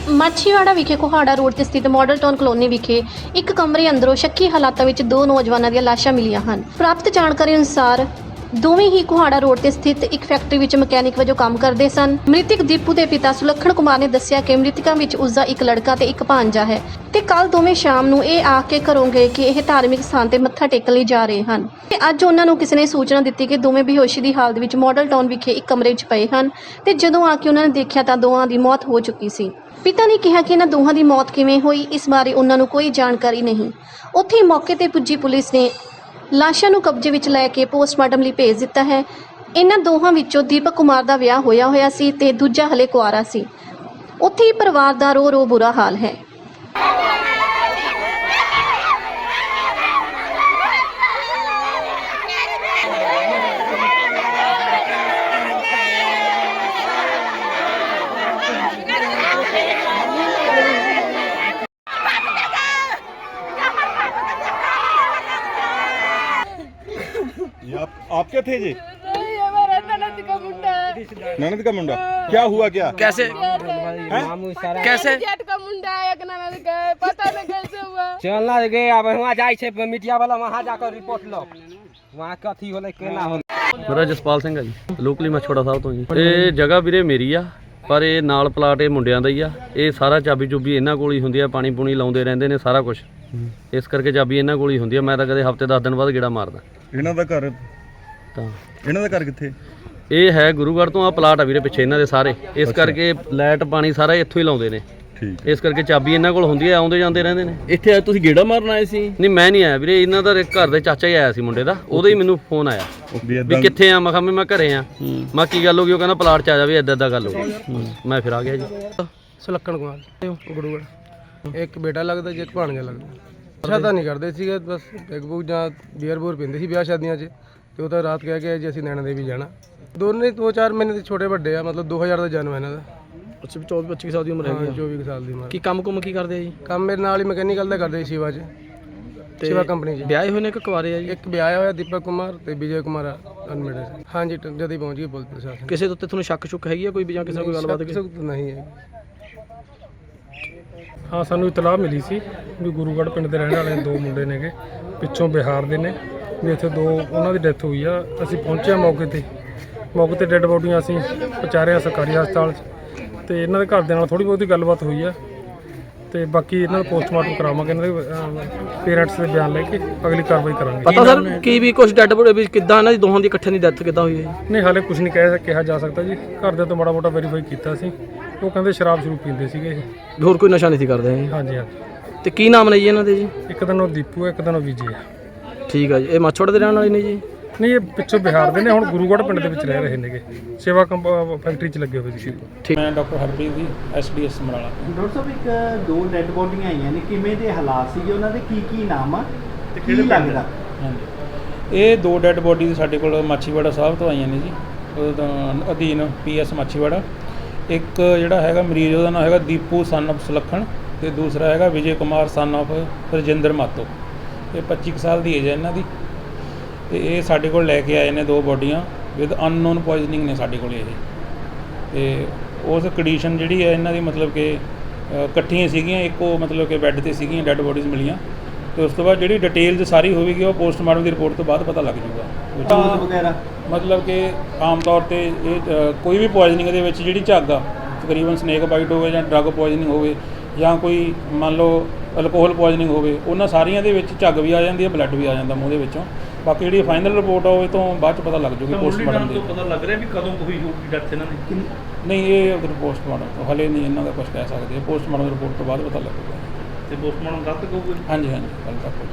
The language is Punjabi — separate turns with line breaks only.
ਮਾਛੀਵਾੜਾ ਵਿਖੇ ਕੋਹਾੜਾ ਰੋਡ ਤੇ ਸਥਿਤ ਮਾਡਲ ਟਾਊਨ ਕਲੋਨੀ ਵਿਖੇ ਇੱਕ ਕਮਰੇ ਅੰਦਰੋਂ ਸ਼ੱਕੀ ਹਾਲਾਤਾਂ ਵਿੱਚ ਦੋ ਨੌਜਵਾਨਾਂ ਦੀਆਂ ਲਾਸ਼ਾਂ ਮਿਲੀਆਂ ਹਨ। ਪ੍ਰਾਪਤ ਜਾਣਕਾਰੀ ਅਨੁਸਾਰ ਦੋਵੇਂ ਹੀ ਕੋਹਾੜਾ ਰੋਡ ਤੇ ਸਥਿਤ ਇੱਕ ਫੈਕਟਰੀ ਵਿੱਚ ਮਕੈਨਿਕ ਵਜੋਂ ਕੰਮ ਕਰਦੇ ਸਨ। ਮ੍ਰਿਤਕ ਦੀਪੂ ਦੇ ਪਿਤਾ ਸੁਲੱਖਣ ਕੁਮਾਰ ਨੇ ਦੱਸਿਆ ਕਿ ਮ੍ਰਿਤਕਾਂ ਵਿੱਚ ਉਸਦਾ ਇੱਕ ਲੜਕਾ ਤੇ ਇੱਕ ਭਾਂਜਾ ਹੈ ਤੇ ਕੱਲ ਦੋਵੇਂ ਸ਼ਾਮ ਨੂੰ ਇਹ ਆ ਕੇ ਘਰੋਂ ਗਏ ਕਿ ਇਹ ਧਾਰਮਿਕ ਸਥਾਨ ਤੇ ਮੱਥਾ ਟੇਕਣ ਲਈ ਜਾ ਰਹੇ ਹਨ ਤੇ ਅੱਜ ਉਹਨਾਂ ਨੂੰ ਕਿਸੇ ਨੇ ਸੂਚਨਾ ਦਿੱਤੀ ਕਿ ਦੋਵੇਂ ਬੇਹੋਸ਼ੀ ਦੀ ਹਾਲਤ ਵਿੱਚ ਮਾਡਲ ਟਾਊਨ ਵਿਖੇ ਇੱਕ ਕਮਰੇ ਵਿੱਚ ਪਏ ਹਨ ਤੇ ਜਦੋਂ ਆ ਕੇ ਉਹਨਾਂ ਨੇ ਦੇਖਿਆ ਤਾਂ ਦੋਵਾਂ ਦੀ ਮੌਤ ਹੋ ਚੁੱਕੀ ਸੀ। ਪਿਤਾ ਨੇ ਕਿਹਾ ਕਿ ਇਹਨਾਂ ਦੋਹਾਂ ਦੀ ਮੌਤ ਕਿਵੇਂ ਹੋਈ ਇਸ ਬਾਰੇ ਉਹਨਾਂ ਨੂੰ ਕੋਈ ਜਾਣਕਾਰੀ ਨਹੀਂ। ਉੱਥੇ ਹੀ ਮੌਕੇ ਤੇ ਪੁੱਜੀ ਪੁਲਿਸ ਨੇ ਲਾਸ਼ਾਂ ਨੂੰ ਕਬਜ਼ੇ ਵਿੱਚ ਲੈ ਕੇ ਪੋਸਟਮਾਰਟਮ ਲਈ ਭੇਜ ਦਿੱਤਾ ਹੈ। ਇਹਨਾਂ ਦੋਹਾਂ ਵਿੱਚੋਂ ਦੀਪਕ ਕੁਮਾਰ ਦਾ ਵਿਆਹ ਹੋਇਆ ਸੀ ਤੇ ਦੂਜਾ ਹਲੇ ਕੁਆਰਾ ਸੀ। ਉੱਥੇ ਹੀ ਪਰਿਵਾਰ ਦਾ ਰੋ ਬੁਰਾ ਹਾਲ ਹੈ।
आप क्या थे जी?
नहीं, हमारा ननद का मुंडा है।
ननद का मुंडा क्या हुआ? क्या
कैसे कैसे
जेठ का मुंडा है, एक ननद का है, पता नहीं कैसे हुआ।
चलना गए अब वहाँ जाए छे मीडिया वाला वहाँ जाकर रिपोर्ट लो वहाँ कथी होले केना होले।
ਮੇਰਾ ਜਸਪਾਲ ਸਿੰਘ ਆ ਜੀ, ਲੋਕਲੀ ਮਛੋੜਾ ਸਾਹਿਬ ਤੋਂ ਜੀ। ਇਹ ਜਗ੍ਹਾ ਵੀਰੇ ਮੇਰੀ ਆ ਪਰ ਇਹ ਨਾਲ ਪਲਾਟ ਇਹ ਮੁੰਡਿਆਂ ਦਾ ਹੀ ਆ। ਇਹ ਸਾਰਾ ਚਾਬੀ ਚੁਬੀ ਇਹਨਾਂ ਕੋਲ ਹੀ ਹੁੰਦੀ ਆ, ਪਾਣੀ ਪੂਣੀ ਲਾਉਂਦੇ ਰਹਿੰਦੇ ਨੇ ਸਾਰਾ ਕੁਝ, ਇਸ ਕਰਕੇ ਚਾਬੀ ਇਹਨਾਂ ਕੋਲ ਹੀ ਹੁੰਦੀ ਆ। ਮੈਂ ਤਾਂ ਕਦੇ ਹਫਤੇ 10 ਦਿਨ ਬਾਅਦ ਗੇੜਾ ਮਾਰਦਾ।
ਇਹਨਾਂ ਦਾ ਘਰ
ਤਾਂ
ਇਹਨਾਂ ਦਾ ਘਰ ਕਿੱਥੇ?
ਇਹ ਹੈ ਗੁਰੂਗੜ੍ਹ ਤੋਂ, ਆ ਪਲਾਟ ਆ ਵੀਰੇ ਪਿੱਛੇ ਇਹਨਾਂ ਦੇ ਸਾਰੇ, ਇਸ ਕਰਕੇ ਲਾਈਟ ਪਾਣੀ ਸਾਰਾ ਇੱਥੋਂ ਹੀ ਲਾਉਂਦੇ ਨੇ।
ਠੀਕ,
ਇਸ ਕਰਕੇ ਚਾਬੀ ਇਹਨਾਂ ਕੋਲ ਹੁੰਦੀ ਆ, ਆਉਂਦੇ ਜਾਂਦੇ ਰਹਿੰਦੇ ਨੇ।
ਇੱਥੇ ਤੁਸੀਂ ਗੇੜਾ ਮਾਰਨ ਆਏ ਸੀ?
ਨਹੀਂ ਮੈਂ ਨਹੀਂ ਆਇਆ ਵੀਰੇ, ਇਹਨਾਂ ਦਾ ਘਰ ਦੇ ਚਾਚਾ ਹੀ ਆਇਆ ਸੀ ਮੁੰਡੇ ਦਾ, ਉਹਦਾ ਹੀ ਮੈਨੂੰ ਫੋਨ ਆਇਆ ਵੀ ਕਿੱਥੇ ਆ। ਮੈਂ ਕਿਹਾ ਮੈਂ ਘਰੇ ਆ। ਮੈਂ ਕੀ ਗੱਲ ਹੋ ਗਈ? ਉਹ ਕਹਿੰਦਾ ਪਲਾਟ 'ਚ ਆ ਜਾ ਵੀ ਇੱਦਾਂ ਗੱਲ ਹੋ ਗਈ। ਮੈਂ ਫਿਰ ਆ ਗਿਆ ਜੀ।
ਸੁਲੱਖਣ ਕੁਮਾਰ ਗੁਰੂਗੜ੍ਹ। ਇੱਕ ਬੇਟਾ ਲੱਗਦਾ ਜੀ, ਇੱਕ ਭਾਣਜਾ ਲੱਗਦਾ। ਨਸ਼ਾ ਤਾਂ ਨਹੀਂ ਕਰਦੇ ਸੀਗੇ, ਬਸ ਪੈਗ ਪੁਗ ਜਾਂ ਬੀਅਰ ਬੂਰ ਪੀਂਦੇ ਸੀ ਵਿਆਹ ਸ਼ਾਦੀਆਂ 'ਚ। ਤੇ ਉਹ ਤਾਂ ਰਾਤ ਕਹਿ ਕੇ ਜੀ ਅਸੀਂ ਨੈਣਾ ਦੇਵੀ ਜਾਣਾ। ਦੋਨੇ 2-4 ਮਹੀਨੇ ਦੇ ਛੋਟੇ ਵੱਡੇ ਆ, ਮਤਲਬ 2000 ਦਾ ਜਨਮ ਹੈ ਇਹਨਾਂ ਦਾ।
ਅੱਛਾ, 24-25 ਸਾਲ ਦੀ ਉਮਰ ਹੈਗੀ ਆ।
24 ਸਾਲ ਦੀ ਉਮਰ।
ਕੀ ਕੰਮ ਕੁਮ ਕੀ ਕਰਦੇ ਆ ਜੀ?
ਕੰਮ ਮੇਰੇ ਨਾਲ ਹੀ ਮਕੈਨੀਕਲ ਦਾ ਕਰਦੇ ਸੀ ਸ਼ਿਵਾ 'ਚ, ਸ਼ਿਵਾ ਕੰਪਨੀ 'ਚ।
ਵਿਆਹੇ ਹੋਏ ਨੇ ਕਿ ਕੁਆਰੇ ਆ ਜੀ?
ਇੱਕ ਵਿਆਹਿਆ ਹੋਇਆ ਦੀਪਕ ਕੁਮਾਰ ਤੇ ਵਿਜੇ ਕੁਮਾਰ ਅਨਮੇਰਿਡ। ਹਾਂਜੀ, ਜਦ ਹੀ ਪਹੁੰਚ ਗਈ ਪੁਲਿਸ ਪ੍ਰਸ਼ਾਸਨ।
ਕਿਸੇ ਦੇ ਉੱਤੇ ਤੁਹਾਨੂੰ ਸ਼ੱਕ ਸ਼ੁੱਕ ਹੈਗੀ ਆ ਕੋਈ ਵੀ ਜਾਂ ਕਿਸੇ ਨਾਲ ਕੋਈ ਗੱਲਬਾਤ?
ਸ਼ੱਕ ਨਹੀਂ ਹੈ।
ਹਾਂ, ਸਾਨੂੰ ਇਤਲਾਹ ਮਿਲੀ ਸੀ ਵੀ ਗੁਰੂਗੜ੍ਹ ਪਿੰਡ ਦੇ ਰਹਿਣ ਵਾਲੇ ਦੋ ਮੁੰਡੇ ਨੇਗੇ, ਪਿੱਛੋਂ ਬਿਹਾਰ ਦੇ ਨੇ, ਵੀ ਇੱਥੇ ਦੋ ਉਹਨਾਂ ਦੀ ਡੈਥ ਹੋਈ ਆ। ਅਸੀਂ ਪਹੁੰਚੇ ਮੌਕੇ ਤੇ ਡੈੱਡ ਬੋਡੀਆਂ ਅਸੀਂ ਪਹੁੰਚਾਰਿਆ ਸਰਕਾਰੀ ਹਸਪਤਾਲ 'ਚ। ਤੇ ਇਹਨਾਂ ਦੇ ਘਰ ਦੇ ਨਾਲ ਥੋੜ੍ਹੀ ਬਹੁਤੀ ਗੱਲਬਾਤ ਹੋਈ ਆ ਤੇ ਬਾਕੀ ਇਹਨਾਂ ਦਾ ਪੋਸਟਮਾਰਟਮ ਕਰਾਵਾਂਗੇ, ਇਹਨਾਂ ਦੇ ਪੇਰੈਂਟਸ ਦੇ ਬਿਆਨ ਲੈ ਕੇ ਅਗਲੀ ਕਾਰਵਾਈ ਕਰਾਂਗੇ।
ਪਤਾ ਸਰ ਕੀ ਵੀ ਕੁਝ ਡੈਡ ਬੋਡੀ ਵੀ ਕਿੱਦਾਂ ਇਹਨਾਂ ਦੀ ਦੋਹਾਂ ਦੀ ਇਕੱਠੇ ਦੀ ਡੈਥ ਕਿੱਦਾਂ ਹੋਈ ਹੈ?
ਨਹੀਂ, ਹਾਲੇ ਕੁਝ ਨਹੀਂ ਕਿਹਾ ਜਾ ਸਕਦਾ ਜੀ। ਘਰਦਿਆਂ ਤੋਂ ਮਾੜਾ ਮੋਟਾ ਵੈਰੀਫਾਈ ਕੀਤਾ ਸੀ, ਉਹ ਕਹਿੰਦੇ ਸ਼ਰਾਬ ਸ਼ੁਰੂ ਪੀਂਦੇ ਸੀਗੇ ਇਹ।
ਹੋਰ ਕੋਈ ਨਸ਼ਾ ਨਹੀਂ ਸੀ ਕਰਦੇ ਜੀ?
ਹਾਂਜੀ ਹਾਂਜੀ।
ਤੇ ਕੀ ਨਾਮ ਨੇ ਜੀ ਇਹਨਾਂ ਦੇ ਜੀ?
ਇੱਕ ਦਿਨ ਉਹ ਦੀਪੂ ਹੈ, ਇੱਕ ਦਿਨ ਉਹ ਵਿਜੇ ਹੈ।
ਠੀਕ ਆ ਜੀ। ਇਹ ਮਾਛੋੜ ਦੇ ਰਹਿਣ ਵਾਲੇ ਨੇ ਜੀ?
ਨਹੀਂ, ਇਹ ਪਿੱਛੋਂ ਬਿਹਾਰ ਦੇ ਨੇ, ਹੁਣ ਗੁਰੂਗੜ੍ਹ ਪਿੰਡ ਦੇ ਵਿੱਚ ਰਹਿ ਰਹੇ ਨੇਗੇ, ਸੇਵਾ ਫੈਕਟਰੀ 'ਚ ਲੱਗੇ ਹੋਏ ਸੀ।
ਮੈਂ ਡਾਕਟਰ ਹਰਪ੍ਰੀਤ ਜੀ, SDS ਸਮਰਾਲਾ।
ਡਾਕਟਰ ਸਾਹਿਬ, ਇੱਕ ਦੋ ਡੈੱਡ ਬੋਡੀਆਂ ਆਈਆਂ ਨੇ, ਕਿਵੇਂ ਦੇ ਹਾਲਾਤ ਸੀਗੇ ਉਹਨਾਂ ਦੇ? ਕੀ ਨਾਮ ਆ ਤੇ ਕੀ ਲੱਗਦਾ?
ਹਾਂਜੀ, ਇਹ ਦੋ ਡੈੱਡ ਬੋਡੀ ਸਾਡੇ ਕੋਲ ਮਾਛੀਵਾੜਾ ਸਾਹਿਬ ਤੋਂ ਆਈਆਂ ਨੇ ਜੀ, ਉਹਦਾ ਅਧੀਨ PS ਮਾਛੀਵਾੜਾ। ਇੱਕ ਜਿਹੜਾ ਹੈਗਾ ਮਰੀਜ਼, ਉਹਦਾ ਨਾਮ ਹੈਗਾ ਦੀਪੂ ਸਨ ਆਫ ਸੁਲੱਖਣ, ਤੇ ਦੂਸਰਾ ਹੈਗਾ ਵਿਜੇ ਕੁਮਾਰ ਸਨ ਆਫ ਰਜਿੰਦਰ ਮਾਤੋ। ਇਹ 25 ਸਾਲ ਦੀ ਏਜ ਹੈ ਇਹਨਾਂ ਦੀ। ਤੇ ਇਹ ਸਾਡੇ ਕੋਲ ਲੈ ਕੇ ਆਏ ਨੇ ਦੋ ਬੋਡੀਆਂ ਵਿਦ ਅਨਨੋਨ ਪੋਇਜ਼ਨਿੰਗ ਨੇ ਸਾਡੇ ਕੋਲ ਇਹ। ਤੇ ਉਸ ਕੰਡੀਸ਼ਨ ਜਿਹੜੀ ਹੈ ਇਹਨਾਂ ਦੀ, ਮਤਲਬ ਕਿ ਇਕੱਠੀਆਂ ਸੀਗੀਆਂ, ਇੱਕੋ ਮਤਲਬ ਕਿ ਬੈੱਡ 'ਤੇ ਸੀਗੀਆਂ, ਡੈੱਡ ਬੋਡੀਜ਼ ਮਿਲੀਆਂ। ਤੇ ਉਸ ਤੋਂ ਬਾਅਦ ਜਿਹੜੀ ਡਿਟੇਲਸ ਸਾਰੀ ਹੋਵੇਗੀ ਉਹ ਪੋਸਟਮਾਰਟਮ ਦੀ ਰਿਪੋਰਟ ਤੋਂ ਬਾਅਦ ਪਤਾ ਲੱਗ ਜੂਗਾ।
ਵਗੈਰਾ ਮਤਲਬ
ਕਿ ਆਮ ਤੌਰ 'ਤੇ ਇਹ ਕੋਈ ਵੀ ਪੋਇਜ਼ਨਿੰਗ ਦੇ ਵਿੱਚ ਜਿਹੜੀ ਝੱਗ ਆ, ਤਕਰੀਬਨ ਸਨੇਕ ਬਾਈਟ ਹੋਵੇ ਜਾਂ ਡਰੱਗ ਪੋਇਜ਼ਨਿੰਗ ਹੋਵੇ ਜਾਂ ਕੋਈ ਮੰਨ ਲਓ ਅਲਕੋਹਲ ਪੋਇਜ਼ਨਿੰਗ ਹੋਵੇ, ਉਹਨਾਂ ਸਾਰੀਆਂ ਦੇ ਵਿੱਚ ਝੱਗ ਵੀ ਆ ਜਾਂਦੀ ਹੈ, ਬਲੱਡ ਵੀ ਆ ਜਾਂਦਾ ਮੂੰਹ ਦੇ ਵਿੱਚੋਂ। ਬਾਕੀ ਜਿਹੜੀ ਫਾਈਨਲ ਰਿਪੋਰਟ ਆ ਉਹ ਤੋਂ ਬਾਅਦ 'ਚ ਪਤਾ ਲੱਗ ਜੂਗੀ ਪੋਸਟਮਾਰਟਮ ਦੀ।
ਪਤਾ ਲੱਗ ਰਿਹਾ ਵੀ ਕਦੋਂ ਹੋਈ ਹੋਊਗੀ ਡੈਥ ਇਹਨਾਂ ਦੀ?
ਨਹੀਂ, ਇਹ ਪੋਸਟਮਾਰਟਮ ਹਲੇ ਨਹੀਂ ਇਹਨਾਂ ਦਾ ਕੁਝ ਕਹਿ ਸਕਦੇ। ਪੋਸਟਮਾਰਟਮ ਰਿਪੋਰਟ ਤੋਂ ਬਾਅਦ ਪਤਾ ਲੱਗੂਗਾ।
ਤੇ ਪੋਸਟਮਾਰਟਮ ਕੱਲ੍ਹ ਤੱਕ ਹੋਊਗਾ?
ਹਾਂਜੀ, ਕੱਲ੍ਹ ਤੱਕ।